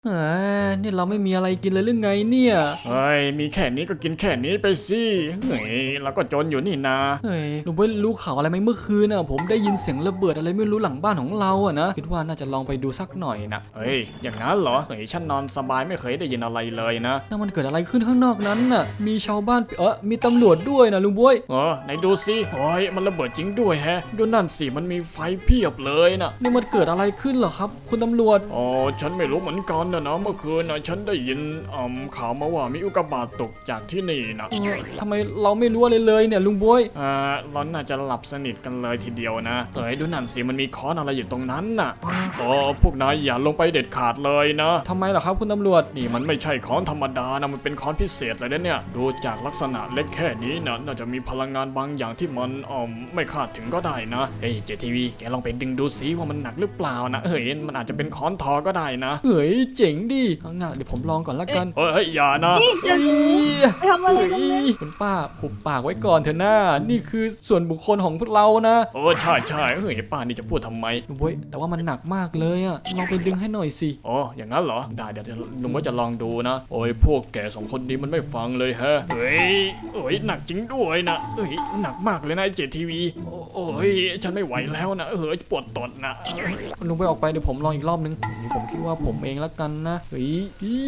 เฮ้ยนี่เราไม่มีอะไรกินเลยหรือไงเนี่ยเฮ้ยมีแค่นี้ก็กินแค่นี้ไปสิเฮ้ยเราก็จนอยู่นี่นาเฮ้ยลุงไม่รู้ข่าวอะไรไหมเมื่อคืนน่ะผมได้ยินเสียงระเบิดอะไรไม่รู้หลังบ้านของเราอะนะคิดว่าน่าจะลองไปดูสักหน่อยนะเฮ้ยอย่างนั้นเหรอเฮ้ยฉันนอนสบายไม่เคยได้ยินอะไรเลยนะนั่นมันเกิดอะไรขึ้นข้างนอกนั้นน่ะมีชาวบ้านมีตำรวจด้วยนะลุงบวยไหนดูสิโอ้ยมันระเบิดจริงด้วยแฮะดูนั่นสิมันมีไฟเพียบเลยนะนี่มันเกิดอะไรขึ้นเหรอครับคุณตำรวจอ๋อฉันไม่รู้เหมือนกันนะเมื่อคืนนะฉันได้ยินข่าวมาว่ามีอุกกาบาตตกจากที่นี่นะทำไมเราไม่รู้อะไรเลยเนี่ยลุงบวยเราน่าจะหลับสนิทกันเลยทีเดียวนะเฮ้ยดูนั่นสิมันมีค้อนอะไรอยู่ตรงนั้นน่ะพวกนายอย่าลงไปเด็ดขาดเลยนะทำไมเหรอครับคุณตำรวจนี่มันไม่ใช่ค้อนธรรมดานะมันเป็นค้อนพิเศษเลยนะเนี่ยดูจากลักษณะเล็กแค่นี้นะน่าจะมีพลังงานบางอย่างที่มันไม่คาดถึงก็ได้นะเฮ้ยเจทีวีแกลองไปดึงดูสิว่ามันหนักหรือเปล่านะเฮ้ยมันอาจจะเป็นค้อนทอก็ได้นะเฮ้ยเจ๋งดิเอางั้นเดี๋ยวผมลองก่อนละกันเฮ้ยอย่านะนี่จะไปทำอะไรกันเนี่ยคุณป้าหุบปากไว้ก่อนเถอะหน้านี่คือส่วนบุคคลของพวกเรานะใช่ใช่เฮ้ยป้านี่จะพูดทำไมลุงบวยแต่ว่ามันหนักมากเลยอะลองไปดึงให้หน่อยสิอย่างนั้นเหรอได้เดี๋ยวลุงก็จะลองดูนะโอ้ยพวกแกสองคนนี้มันไม่ฟังเลยฮะเฮ้ยหนักจริงด้วยนะหนักมากเลยนะไอ้เจทีวีโอ้ยฉันไม่ไหวแล้วนะปวดตดนะลุงไปออกไปเดี๋ยวผมลองอีกรอบนึงนี่ผมคิดว่าผมเองละกันนะเฮ้ย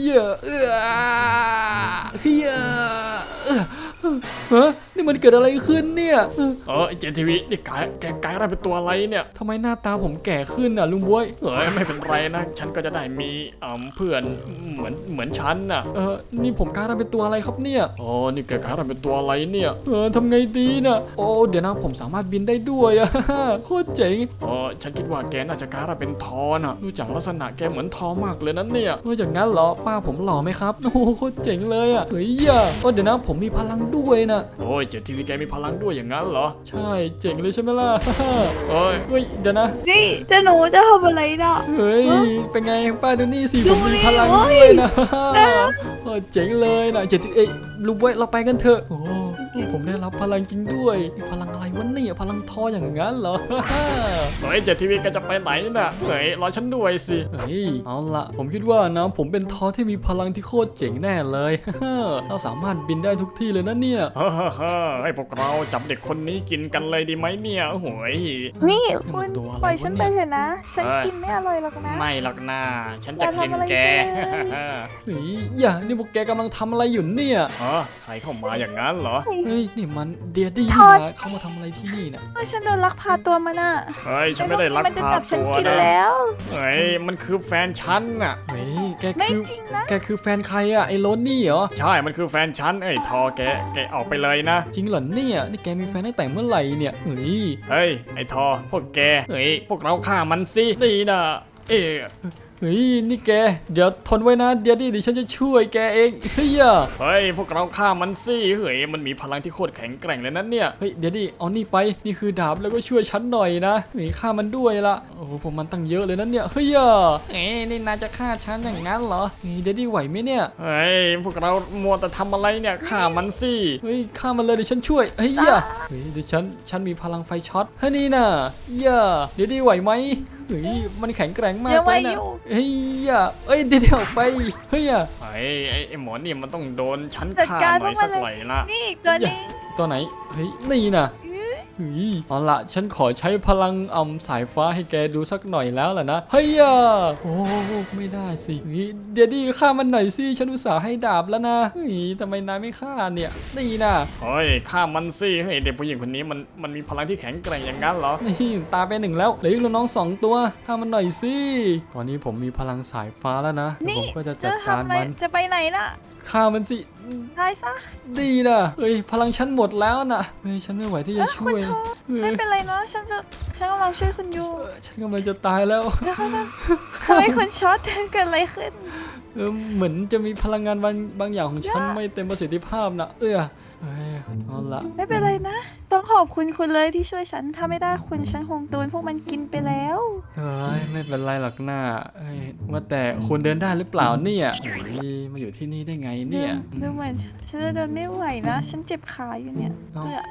ฮะนี่มันเกิดอะไรขึ้นเนี่ยไอ้เจทีวีนี่แกกลายร่างเป็นตัวอะไรเนี่ยทำไมหน้าตาผมแก่ขึ้นอ่ะลุงบวยไม่เป็นไรนะฉันก็จะได้มีเพื่อนเหมือนฉันน่ะนี่ผมกลายร่างเป็นตัวอะไรครับเนี่ยนี่แกกลายร่างเป็นตัวอะไรเนี่ยทำไงดีนะโอ้เดี๋ยวนะผมสามารถบินได้ด้วยอะ โคตรเจ๋งฉันคิดว่าแกน่าจะกลายร่างเป็นทอน่ะดูจากลักษณะแกเหมือนทอมากเลยนั่นเนี่ยจากนั้นเหรอป้าผมหล่อไหมครับโอ้โหโคตรเจ๋งเลยอ่ะเฮ้ยเดี๋ยวนะผมมีพลังด้วยนะเจทีวีแกมีพลังด้วยอย่างนั้นเหรอใช่เจ๋งเลยใช่ไหมล่ะ เฮ้ยเดี๋ยวนะนี่เจะหนูจะทำอะไรน่ะเฮ้ยเป็นไงป้าดูนี่สิดูผมมีดิพลังโอ้ยด้วยนะเจ๋งเลยนะลุงบวยเราไปกันเถอะโอ้ผมได้รับพลังจริงด้วยพลังอะไรวะเนี่ยพลังทออย่างนั้นเหรอเจทีวีแกจะไปไหนน่ะรอฉันด้วยสิเฮ้ยเอาละผมคิดว่านะผมเป็นทอที่มีพลังที่โคตรเจ๋งแน่เลย เราสามารถบินได้ทุกที่เลยนะเนี่ยให้พวกเราจับเด็กคนนี้กินกันเลยดีไหมเนี่ยโอ้โหยนี่คุณตัวอะไรปล่อยฉันวะไปเนี่ยเถอะนะ ฉันกินไม่อร่อยหรอกนะไม่หรอกนะฉันอจะย่ากินทำอะไรแกฉันเลยเฮ้ยนี่พวกแกกำลังทำอะไรอยู่เนี่ยใครเข้ามาอย่างนั้นเหรอเฮ้ยนี่มันเดียดี้ทอดนะเขามาทำอะไรที่นี่นะฉันโดนลักพาตัวมาน่ะฉันไม่ได้รักมันจะพาจับฉันตัวกินนะแล้วมันคือแฟนฉันน่ะเฮ้ยแกไม่คือจริงนะแกคือแฟนใครอะไอ้โรนนี่เหรอใช่มันคือแฟนฉันทอแกออกไปเลยนะจริงเหรอเนี่ยนี่แกมีแฟนตั้งแต่เมื่อไหร่เนี่ยเฮ้ยไอ้ทอพวกแกพวกเราฆ่ามันสิดีนะเฮ้ยนี่แกเดี๋ยวทนไว้นะเดี๋ยวฉันจะช่วยแกเองเฮ้ยพวกเราฆ่ามันสิมันมีพลังที่โคตรแข็งแกร่งเลยนะเนี่ยเฮ้ยเดี๋ยวดิเอานี่ไปนี่คือดาบแล้วก็ช่วยฉันหน่อยนะหนีฆ่ามันด้วยละโอ้โหผมมันตั้งเยอะเลยนะเนี่ยเฮ้ยนี่นายจะฆ่าฉันอย่างนั้นเหรอเดี๋ยวดิไหวไหมเนี่ยพวกเรามัวแต่ทำอะไรเนี่ยฆ่ามันสิเฮ้ยฆ่ามันเลยเดี๋ยวฉันช่วยเฮ้ยเดี๋ยวฉันมีพลังไฟช็อตเฮ้ยนี่น่ะเดี๋ยวดิไหวไหมเฮ้ยมันแข็งแกร่งมากยังไหวเลยอนะยู่เฮ้ยเดี๋ยวไปเฮ้ยไอ้หมอนี่มันต้องโดนฉันจัดฆ่าการหน่อยพวกมัสันกเลยหน่อยละนี่อีกตัวนึงตัวไหนเฮ้ยนี่น่ะเฮ้ยเอาละฉันขอใช้พลังสายฟ้าให้แกดูสักหน่อยแล้วล่ะนะเฮ้ยโอ้ไม่ได้สิเฮ้ยเดี๋ยวดิฆ่ามันหน่อยสิฉันอุตส่าห์ให้ดาบแล้วนะเฮ้ยทำไมนายไม่ฆ่าเนี่ยนี่น่ะฆ่ามันสิเด็กผู้หญิงคนนี้มันมีพลังที่แข็งแกร่งอย่างนั้นเหรอนี่ตาไปหนึ่งแล้วเหลืออีกน้อง2 ตัวฆ่ามันหน่อยสิตอนนี้ผมมีพลังสายฟ้าแล้วนะเดี๋ยวผมก็จะจัจะดการทำอะไรมันจะไปไหนน่ะฆ่ามันสิตายซะดีนะเฮ้ยพลังฉันหมดแล้วนะเฮ้ยฉันไม่ไหวที่จะช่คุวณยทอเฮ้ยไม่เป็นไรนะฉันกำลังช่วยคุณอยู่ฉันกำลังจะตายแล้วทำไมคุณช็อตเกิดอะไรขึ้นเหมือนจะมีพลังงานบางอย่างของฉันไม่เต็มประสิทธิภาพนะเฮ้ยเอาละไม่เป็นไรนะ ต้องขอบคุณคุณเลยที่ช่วยฉัน ถ้าไม่ได้คุณฉันคงโดนพวกมันกินไปแล้วเฮ้ยไม่เป็นไรหรอกหน้าว่าแต่คุณเดินได้หรือเปล่าเนี่ยเฮ้ยมาอยู่ที่นี่ได้ไงเนี่ยดูเหมือนฉันจะเดินไม่ไหวนะ ฉันเจ็บขาอยู่เนี่ยเอ้า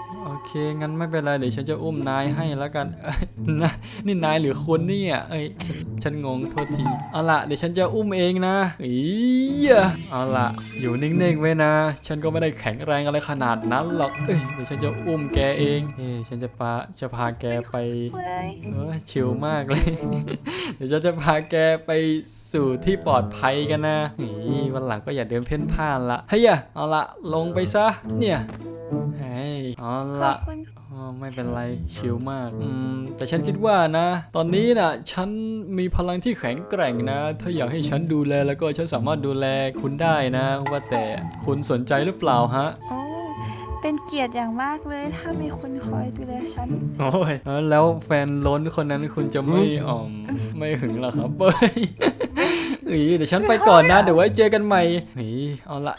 โอเคงั้นไม่เป็นไรเดี๋ยวฉันจะอุ้มนายให้แล้วกันนะนี่นายหรือคนเนี่ยฉันงงโทษทีเอาล่ะเดี๋ยวฉันจะอุ้มเองนะเอาล่ะอยู่นิ่งๆไว้นะฉันก็ไม่ได้แข็งแรงอะไรขนาดนั้นหรอกเดี๋ยวฉันจะอุ้มแกเองฉันจะพาแกไปชิลมากเลย เดี๋ยวฉันจะพาแกไปสู่ที่ปลอดภัยกันนะวันหลังก็อย่าเดินเพ่นพ่านละเฮ้ยเอาละลงไปซะเนี่ยเฮ้ยเอาขอละบคุณไม่เป็นไรชิลมากแต่ฉันคิดว่านะตอนนี้นะฉันมีพลังที่แข็งแกร่งนะถ้าอยากให้ฉันดูแลแล้วก็ฉันสามารถดูแลคุณได้นะว่าแต่คุณสนใจหรือเปล่าฮะโอ้เป็นเกียรติอย่างมากเลยถ้ามีคุณคอยดูแลฉันโอ้ยแล้วแฟนล้นคนนั้นคุณจะไม่หึงเหรอครับเฮ้ยเดี๋ยวฉันไปก่อนนะเดี๋ยวไว้เจอกันใหม่เอาละ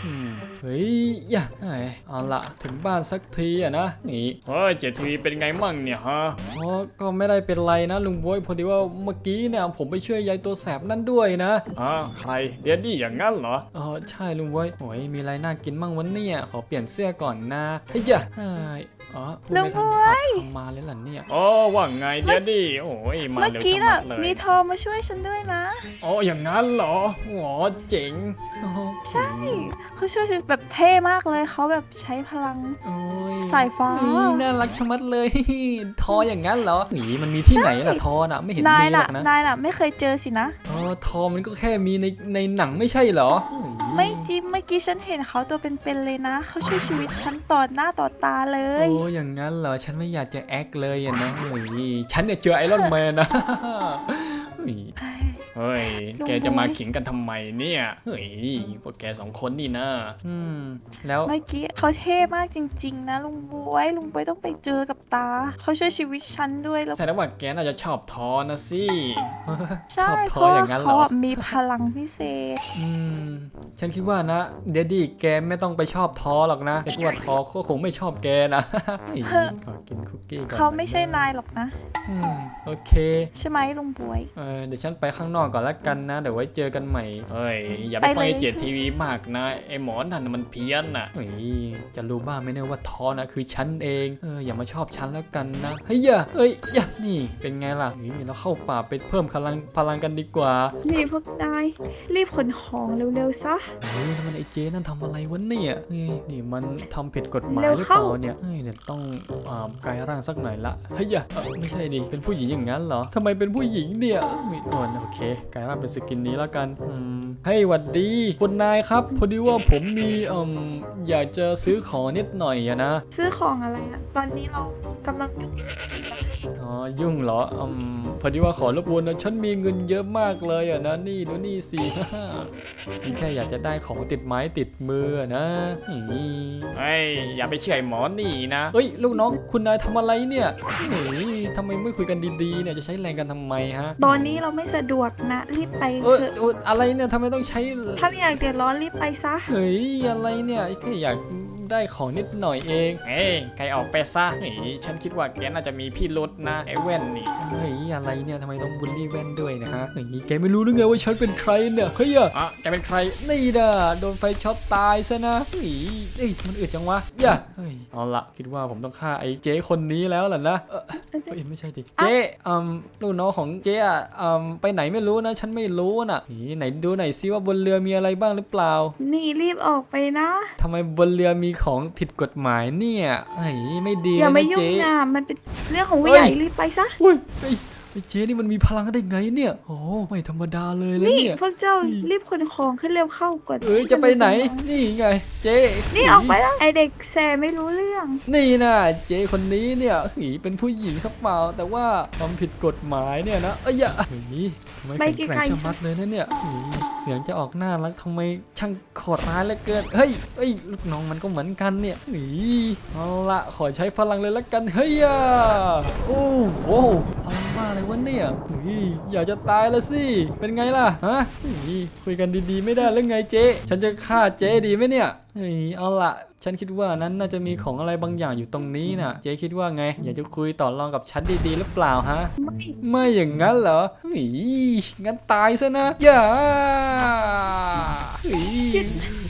เอาละถึงบ้านสักทีอะนะเฮ้ยเจทีวีเป็นไงมั่งเนี่ยฮะก็ไม่ได้เป็นไรนะลุงบวยพอดีว่าเมื่อกี้เนี่ยผมไปช่วยยายตัวแสบนั่นด้วยนะใครเดียดี้อย่างงั้นเหรอใช่ลุงบวยโอ้ยมีอะไรน่ากินมั่งวันนี้ขอเปลี่ยนเสื้อก่อนนะพูดไม่ทันขาดคำมาเลยล่ะเนี่ยว่าไงเดียดี้โอ้ยมาเมื่อเร็วกี้ชะน่ะมัดเลยมีทอมาช่วยฉันด้วยนะอย่างงั้นเหรอเจ๋งใช่เขาช่วยฉันแบบเท่มากเลยเขาแบบใช้พลังโอ้ยสายฟ้าน่ารักชะมัดเลย ทออย่างนั้นเหรอมันมีที่ไหนล่ะทอน่ะไม่เห็นนายมีหรน่ะอกนะนายน่ะไม่เคยเจอสินะทอมันก็แค่มีในหนังไม่ใช่เหรอไม่จริงเมื่อกี้ฉันเห็นเขาตัวเป็นๆเลยนะเขาช่วยชีวิตฉันต่อหน้าต่อตาเลยอย่างนั้นเหรอฉันไม่อยากจะแอคเลยอะนะฉันเนี่ยเจอไอรอนแมนนะเฮ้ยแกจะมาขิงกันทำไมเนี่ยพวกแกสองคนนี่นะแล้วเมื่อกี้เขาเท่มากจริงๆนะลุงบวยต้องไปเจอกับตาเขาช่วยชีวิตฉันด้วยแล้วแสดงว่าแกน่าจะชอบทอนะสิใช่ชอบทเพอราะอย่างนั้นเหรเขาออะมีพลังพิเศษฉันคิดว่านะเดดดี้แกไม่ต้องไปชอบทอหรอกนะแกคิดว่าทอก็คงไม่ชอบแกนะ ขอกินคุกกี้ก่อนเขาไม่ใช่นายหรอกนะโอเคใช่ไหมลุงบวยเดี๋ยวฉันไปข้างนอกก่อนละกันนะเดี๋ยวไว้เจอกันใหม่เฮ้ยอย่าไปฟังไอเจทีวีมากนะไอหมอนั่นมันเพี้ยนน่ะจะรู้บ้างไหมเนี่ยว่าทอนะคือฉันเองอย่ามาชอบฉันแล้วกันนะเฮ้ยนี่เป็นไงล่ะเราเข้าป่าไปเพิ่มพลังกันดีกว่านี่พวกนายรีบขนของเร็วๆซะนั่นมันไอเจนั่นทำอะไรวะเนี่ยนี่มันทำผิดกฎหมายเร็วหรือเข้าเปล่าเนี่ยเนี่ยต้องกลายร่างสักหน่อยละเฮ้ยไม่ใช่ดิเป็นผู้หญิงอย่างนั้นเหรอทำไมเป็นผู้หญิงเนี่ยโอเคกลายร่างเป็นสกินนี้แล้วกันให้หวัดดีคุณนายครับพอดีว่าผมมีอยากจะซื้อของนิดหน่อยอะนะซื้อของอะไรอะตอนนี้เรากำลังยุ่งยุ่งเหรอพอดีว่าขอรบกวนนะฉันมีเงินเยอะมากเลยอะนะนี่ดูนี่สิ ฉันแค่อยากจะได้ของติดไม้ติดมือนะเฮ้ยอย่าไปเชื่อไอหมอนี่นะเฮ้ยลูกน้องคุณนายทำอะไรเนี่ยทำไมไม่คุยกันดีๆเนี่ยจะใช้แรงกันทำไมฮะตอนนี้เราไม่สะดวกนะรีบไปเถอะอะไรเนี่ยทำไมต้องใช้ถ้าไม่อยากเดือดร้อนรีบไปซะเฮ้ยอะไรเนี่ยแค่อยากได้ของนิดหน่อยเองใครออกไปซะฉันคิดว่าแกน่าจะมีพี่รุดนะไอแว่นนี่เฮ้ยอะไรเนี่ยทำไมต้องบูลลี่แว่นด้วยนะฮะแกไม่รู้หรือไงว่าฉันเป็นใครเนี่ยเฮ้ยแกเป็นใครนี่นะโดนไฟช็อตตายซะนะมันอึดจังวะเอาละคิดว่าผมต้องฆ่าไอ้เจ๊คนนี้แล้วล่ะนะไม่ใช่ดิเจ๊ลูกน้องของเจ๊ไปไหนไม่รู้นะฉันไม่รู้น่ะไหนดูหน่อยซิว่าบนเรือมีอะไรบ้างหรือเปล่านี่รีบออกไปนะทำไมบนเรือมีของผิดกฎหมายเนี่ยไม่ดีอย่ามายุ่งนะมันเป็นเรื่องของผู้ใหญ่รีบไปซะเจ๊นี่มันมีพลังได้ไงเนี่ยโอ้ไม่ธรรมดาเลยแล้วนี่เนี่ยพวกเจ้ารีบขนของขึ้นเร็วเข้าก่อนจะไปไหนนี่ไงเจ๊นี่ออกไปแล้วไอเด็กแสไม่รู้เรื่องนี่นะเจ๊คนนี้เนี่ยเป็นผู้หญิงสักเปล่าแต่ว่าทำผิดกฎหมายเนี่ยนะทำไมแข็งแกร่งชะมัดเลยนะเนี่ยเสียงจะออกน่ารักทำไมช่างโหดร้ายเหลือเกินเฮ้ยลูกน้องมันก็เหมือนกันเนี่ยเอาละขอใช้พลังเลยละกันเฮ้ยโอ้โหพลังบ้าอะไรวะเนี่ยอยากจะตายแล้วสิเป็นไงล่ะฮะคุยกันดีๆไม่ได้แล้วไงเจ๊ฉันจะฆ่าเจ๊ดีไหมเนี่ยเอาละฉันคิดว่านั้นน่าจะมีของอะไรบางอย่างอยู่ตรงนี้น่ะเจ๊คิดว่าไงอยากจะคุยต่อรองกับฉันดีๆหรือเปล่าฮะไม่อย่างนั้นเหรองั้นตายซะนะอย่า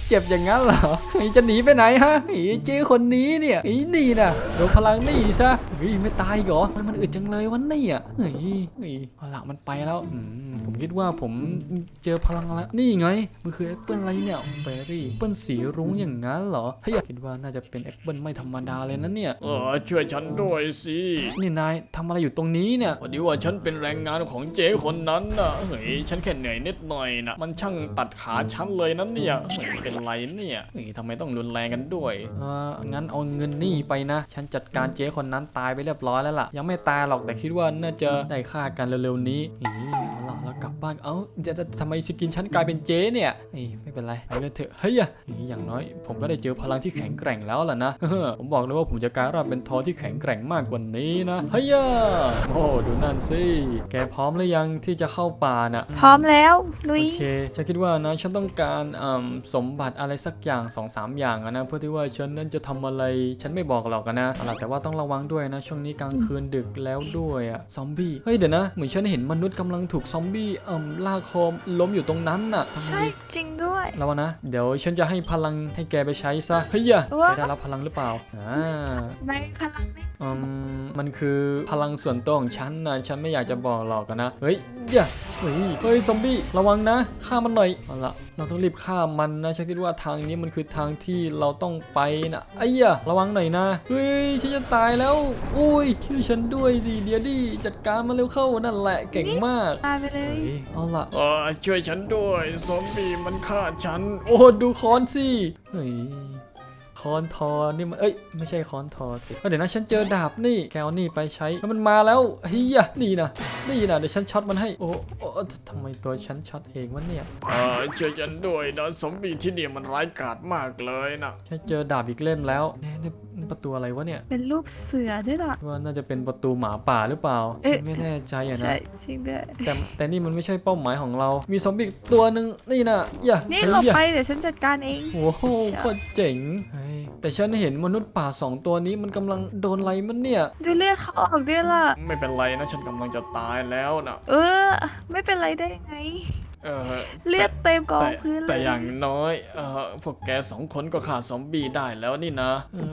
เจ็บอย่างนั้นเหรอจะหนีไปไหนฮะเจ๊คนนี้เนี่ยนี่นะโดนพลังนี่ซะไม่ตายเหรอมันอึดจังเลยวะเนี่ยเอาละมันไปแล้วผมคิดว่าผมเจอพลังแล้วนี่ไงมันคือแอปเปิลอะไรเนี่ยเบอร์รี่แอปเปิลสีรุ้งอย่างนั้นเหรอคิดว่าน่าจะเป็นแอปเปิลไม่ธรรมดาเลยนะเนี่ยช่วยฉันด้วยสินี่นายทำอะไรอยู่ตรงนี้เนี่ยพอดีว่าฉันเป็นแรงงานของเจ๊คนนั้นน่ะฉันแค่เหนื่อยนิดหน่อยนะมันช่างตัดขาฉันเลยนั่นเนี่ยเป็นไรเนี่ยทำไมต้องรุนแรงกันด้วยงั้นเอาเงินนี่ไปนะฉันจัดการเจ๊คนนั้นตายไปเรียบร้อยแล้วล่ะยังไม่ตายหรอกแต่คิดว่าน่าจะได้ฆ่ากันเร็วๆนี้เอาล่ะเรากลับบ้านจะทำไมสกินฉันกลายเป็นเจ๊เนี่ยไม่เป็นไรไปกันเถอะอย่างน้อยผมก็ได้เจอพลังที่แข็งแกร่งแล้วล่ะนะ ผมบอกเลยว่าผมจะกลายร่างเป็นทอที่แข็งแกร่งมากกว่านี้นะโอ้ดูนั่นสิแกพร้อมหรือยังที่จะเข้าป่าน่ะพร้อมแล้วลุโอย เคฉันคิดว่านะฉันต้องการสมบัติอะไรสักอย่าง 2-3 อย่างนะเพื่อที่ว่าฉันนั้นจะทำอะไรฉันไม่บอกหรอกนะแต่ว่าต้องระวังด้วยนะช่วงนี้กลางคืนดึกแล้วด้วยซอมบี้เดี๋ยวนะเหมือนฉันเห็นมนุษย์กำลังถูกซอมบี้ลากคอล้มอยู่ตรงนั้นน่ะใช่จริงด้วยแล้วนะเดี๋ยวฉันจะให้พลังให้แกไปใช้ซะแกได้รับพลังหรือเปล่าไม่พลังนี่มันคือพลังส่วนตัวของฉันนะฉันไม่อยากจะบอกหรอกนะเฮ้ยซอมบี้ระวังนะฆ่ามันหน่อยเอาละเราต้องรีบฆ่ามันนะฉันคิดว่าทางนี้มันคือทางที่เราต้องไปนะระวังหน่อยนะฉันจะตายแล้วช่วยฉันด้วยดิเดี๋ยวดิจัดการมาเร็วเข้านั่นแหละเก่งมากตายไปเลยเอาละช่วยฉันด้วยซอมบี้มันฆ่าฉันดูค้อนสิค้อนทอนี่มันไม่ใช่ค้อนทอสิเดี๋ยวนะฉันเจอดาบนี่แกเอานี่ไปใช้แล้วมันมาแล้วนี่นะเดี๋ยวฉันช็อตมันให้ทำไมตัวฉันช็อตเองวะเนี่ยช่วยฉันด้วยนะซอมบี้ที่นี่มันร้ายกาจมากเลยนะฉันเจอดาบอีกเล่มแล้วนี่ประตูอะไรวะเนี่ยเป็นรูปเสือด้วยล่ะว่าน่าจะเป็นประตูหมาป่าหรือเปล่าไม่แน่ใจนะใช่จริงด้วยแต่นี่มันไม่ใช่เป้าหมายของเรามีซอมบี้ตัวหนึ่งนี่นะนี่หลบไปเดี๋ยวฉันจัดการเองโอ้โหโคตรเจ๋งแต่ฉันเห็นมนุษย์ป่า2 ตัวนี้มันกำลังโดนอะไรมันเนี่ยดูเลือดเขาออกด้วยล่ะไม่เป็นไรนะฉันกำลังจะตายแล้วนะไม่เป็นไรได้ยังไงเลือดเต็มกองพื้นเลยแต่อย่างน้อยพวกแก2 คนก็ฆ่าซอมบี้ได้แล้วนี่นะ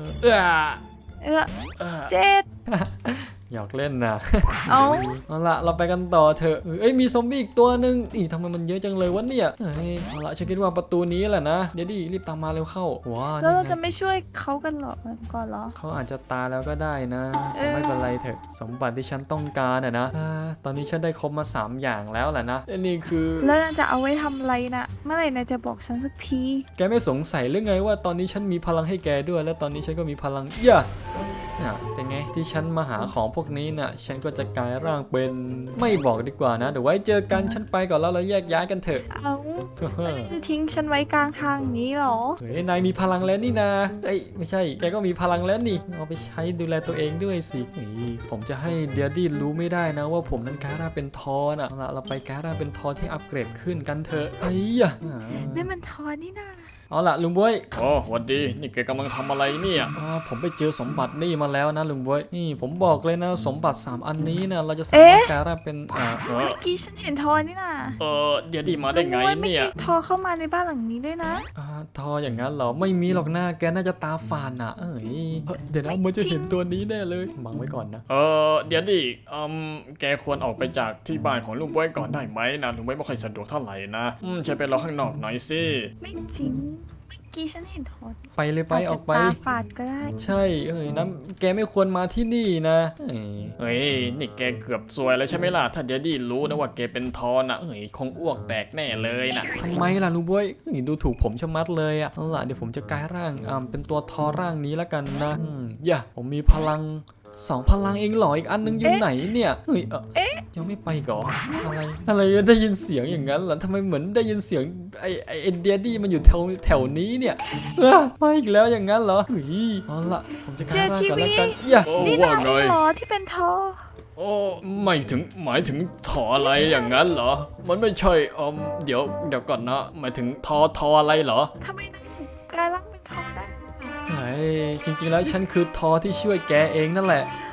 เจ็ดอยากเล่นนะเอาละเราไปกันต่อเถอะมีซอมบี้อีกตัวหนึ่งทำไมมันเยอะจังเลยวะเนี่ยเอาละฉันคิดว่าประตูนี้แหละนะเดี๋ยวดิรีบตามมาเร็วเข้าว้าแล้วเราจะไม่ช่วยเขากันหรอก่อนหรอเขาอาจจะตายแล้วก็ได้นะไม่เป็นไรเถอะสมบัติที่ฉันต้องการนะตอนนี้ฉันได้ครบมา3 อย่างแล้วแหละนะนี่คือแล้วจะเอาไว้ทำอะไรนะเมื่อไหร่นายจะบอกฉันสักทีแกไม่สงสัยหรือไงว่าตอนนี้ฉันมีพลังให้แกด้วยและตอนนี้ฉันก็มีพลังเป็นไงที่ฉันมาหาของพวกนี้น่ะฉันก็จะกลายร่างเป็นไม่บอกดีกว่านะเดี๋ยวไว้เจอกันฉันไปก่อนแล้วเราแยกย้ายกันเถอะจะทิ้งฉันไว้กลางทางนี้หรอนายมีพลังแล้วนี่นะไม่ใช่แกก็มีพลังแล้วนี่เอาไปใช้ดูแลตัวเองด้วยสิผมจะให้เดียดี้รู้ไม่ได้นะว่าผมนั้นกลายร่างเป็นทอน่ะเราไปกลายร่างเป็นทอที่อัปเกรดขึ้นกันเถอะนี่มันทอนี่นะเอาล่ะลุงบ๊วยสวัสดีนี่แกกำลังทำอะไรเนี่ยผมไปเจอสมบัตินี่มาแล้วนะลุงบ๊วยนี่ผมบอกเลยนะสมบัติ3 อันนี้นะเราจะสามารถกลายร่างเป็นเมื่อกี้ฉันเห็นทอนี่นะเดี๋ยวดีมาได้ไงเนี่ยทอเข้ามาในบ้านหลังนี้ด้วยนะทออย่างนั้นเหรอไม่มีหรอกหน้าแกน่าจะตาฝาดน่ะเดี๋ยวนะมันจะเห็นตัวนี้แน่เลยบังไว้ก่อนนะเดี๋ยวดิแกควรออกไปจากที่บ้านของลุงบ๊วยก่อนได้ไหมนะลุงบ๊วยไม่ค่อยสะดวกเท่าไหร่นะฉันไปรอข้างนอกหน่อยสิไม่จริงกี้ฉันเห็นทอดไปเลยไปออกไปตาฝาดก็ได้ใช่น้ำแกไม่ควรมาที่นี่นะนี่แกเกือบซวยแล้วใช่ไหมล่ะถ้าเดดดี้รู้นะว่าแกเป็นทอนะคงอ้วกแตกแน่เลยนะทำไมล่ะลุงบ๊วยดูถูกผมชะมัดเลยอ่ะเอาล่ะเดี๋ยวผมจะกลายร่างเป็นตัวทอร่างนี้แล้วกันนะผมมีพลัง2 พลังเองหรออีกอันนึงอยู่ไหนเนี่ยยังไม่ไปก่ออะไรได้ยินเสียงอย่างนั้นเหรอทำไมเหมือนได้ยินเสียงไอเดียดี้มันอยู่แถวนี้เนี่ยมาอีกแล้วอย่างนั้นเหรอเอาล่ะผมจะกลายร่างก่อนแล้วกันนี่นายหรอที่เป็นทอหมายถึงทออะไรอย่างนั้นเหรอมันไม่ใช่เดี๋ยวก่อนนะหมายถึงทออะไรเหรอทำไมนายกลายร่างเป็นทอได้จริงๆแล้วฉันคือทอที่ช่วยแกเองนั่นแหละ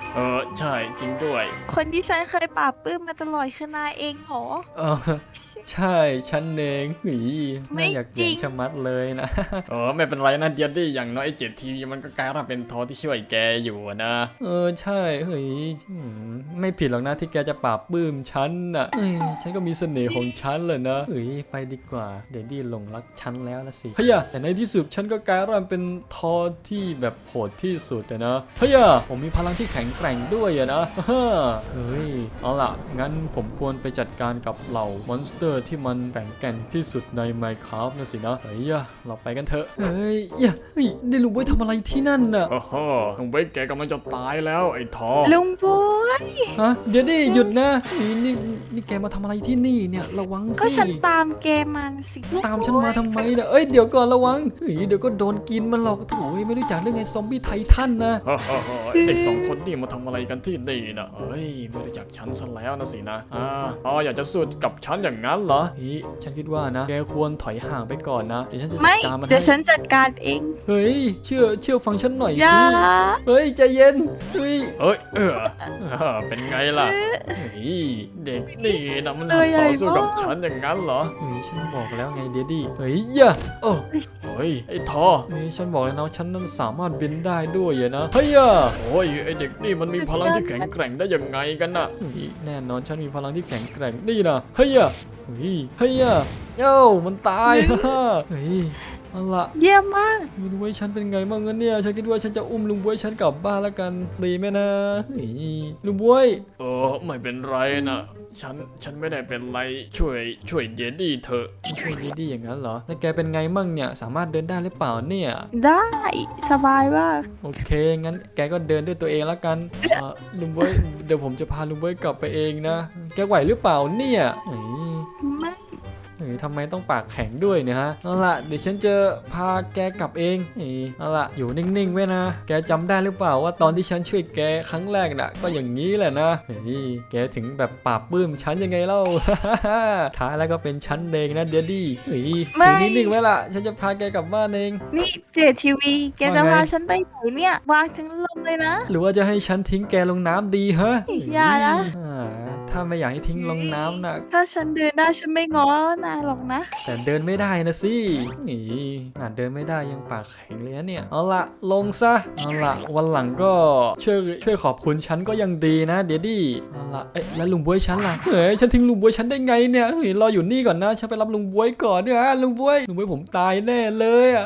ใช่จริงด้วยคนที่ฉันเคยปราบปลื้มมาตลอดคือนายเองเหรอใช่ฉันเองหนีไม่น่าอยากจริเห็นงชะมัดเลยนะไม่เป็นไรนะเดียดี้อย่างน้อยไอ้เจ็ดทีวีมันก็กลายร่างเป็นทอที่ช่วยแกอยู่อะนะใช่เฮ้ยไม่ผิดหรอกนะที่แกจะปราบปลื้มฉันน่ะฉันก็มีเสน่ห์ของฉันเลยนะเฮ้ยไปดีกว่าเดดดี้หลงรักฉันแล้วละสิเฮ้ยแต่ในที่สุดฉันก็กลายร่างเป็นทอที่แบบโหดที่สุดนะเฮ้ยผมมีพลังที่แข็งแกร่งด้วยอะนะเฮ้ยเอาล่ะงั้นผมควรไปจัดการกับเหล่ามอนสเตอร์ที่มันแข็งแกร่งที่สุดใน Minecraft นะสินะเฮ้ยเราไปกันเถอะเฮ้ยได้รู้ว่าทำอะไรที่นั่นน่ะโอ้โหลุงเบคแกกำลังจะตายแล้วไอ้ทอลุงบัวฮะเดี๋ยวดิหยุดนะนี่แกมาทำอะไรที่นี่เนี่ยระวังสิก็ฉันตามแกมันสิตามฉันมาทำไมเนี่ยเอ้ยเดี๋ยวก่อนระวังเดี๋ยวก็โดนกินมันหรอกโถ่ไม่รู้จักเรื่องไงซอมบี้ไททันนะเด็กสองคนนี่มาทำอะไรกันที่นี่นะเฮ้ยไม่รู้จักฉันซะแล้วนะสินะอยากจะสู้กับฉันอย่างนั้นเหรอฉันคิดว่านะแกควรถอยห่างไปก่อนนะเดี๋ยวฉันจะจัไม่ดการมันเดี๋ยวฉัให้นจัดการเองเฮ้ยเชื่อฟังฉันหน่อยอย่าสิเฮ้ยใจเย็นเฮ้ยเป็นไงล่ะเด็กนี่นะมันต่อสู้กับฉันอย่างนั้นเหรอฉันบอกแล้วไงเดดดี้เฮ้ยอย่าโอ้ไอ้ทอฉันบอกเลยนะว่าฉันนั้นสามารถบินได้ด้วยนะเฮ้ยไอ้เด็กนี่มันมีพลังที่แข็งแกร่งได้ยังไงกันน่ะแน่นอนฉันมีพลังที่แข็งแกร่งนี่นะเฮ้ยเอ้ามันตายเฮ้ยเอาละเยี่ยมมากลุงบวยฉันเป็นไงบ้างเนี่ยฉันคิดว่าฉันจะอุ้มลุงบวยฉันกลับบ้านแล้วกันดีไหมนะลุงบวยไม่เป็นไรนะฉันไม่ได้เป็นไรช่วยเดดดี้เธอช่วยดีๆอย่างนั้นเหรอแล้วแกเป็นไงมั่งเนี่ยสามารถเดินได้หรือเปล่าเนี่ยได้สบายมากโอเคงั้นแกก็เดินด้วยตัวเองแล้วกันลุงบวยเดี๋ยวผมจะพาลุงบวยกลับไปเองนะแกไหวหรือเปล่าเนี่ยไม่ทำไมต้องปากแข็งด้วยเนี่ยฮะเอาล่ะเดี๋ยวฉันจะพาแกกลับเองเอาล่ะอยู่นิ่งๆไว้นะแกจำได้หรือเปล่าว่าตอนที่ฉันช่วยแกครั้งแรกน่ะก็อย่างนี้แหละนะแกถึงแบบปราบปลื้มฉันยังไงเล่า ท้ายแล้วก็เป็นฉันเองนะเดดดี้อยู่นิ่งๆไว้ล่ะฉันจะพาแกกลับบ้านเองนี่เจทีวีแกจะพาฉันไปไหนเนี่ยวางฉันลงเลยนะหรือว่าจะให้ฉันทิ้งแกลงน้ำดีฮะอย่านะถ้าไม่อยากให้ทิ้งลงน้ำนะถ้าฉันเดินได้ฉันไม่ง้อนายหรอกนะแต่เดินไม่ได้นะสิเดินไม่ได้ยังปากแข็งเลยนะเนี่ยเอาละลงซะเอาละวันหลังก็ช่วยขอบคุณฉันก็ยังดีนะเดดดี้เอาละแล้วลุงบวยฉันล่ะฉันทิ้งลุงบวยฉันได้ไงเนี่ยรออยู่นี่ก่อนนะฉันไปรับลุงบวยก่อนเนี่ยลุงบวยผมตายแน่เลย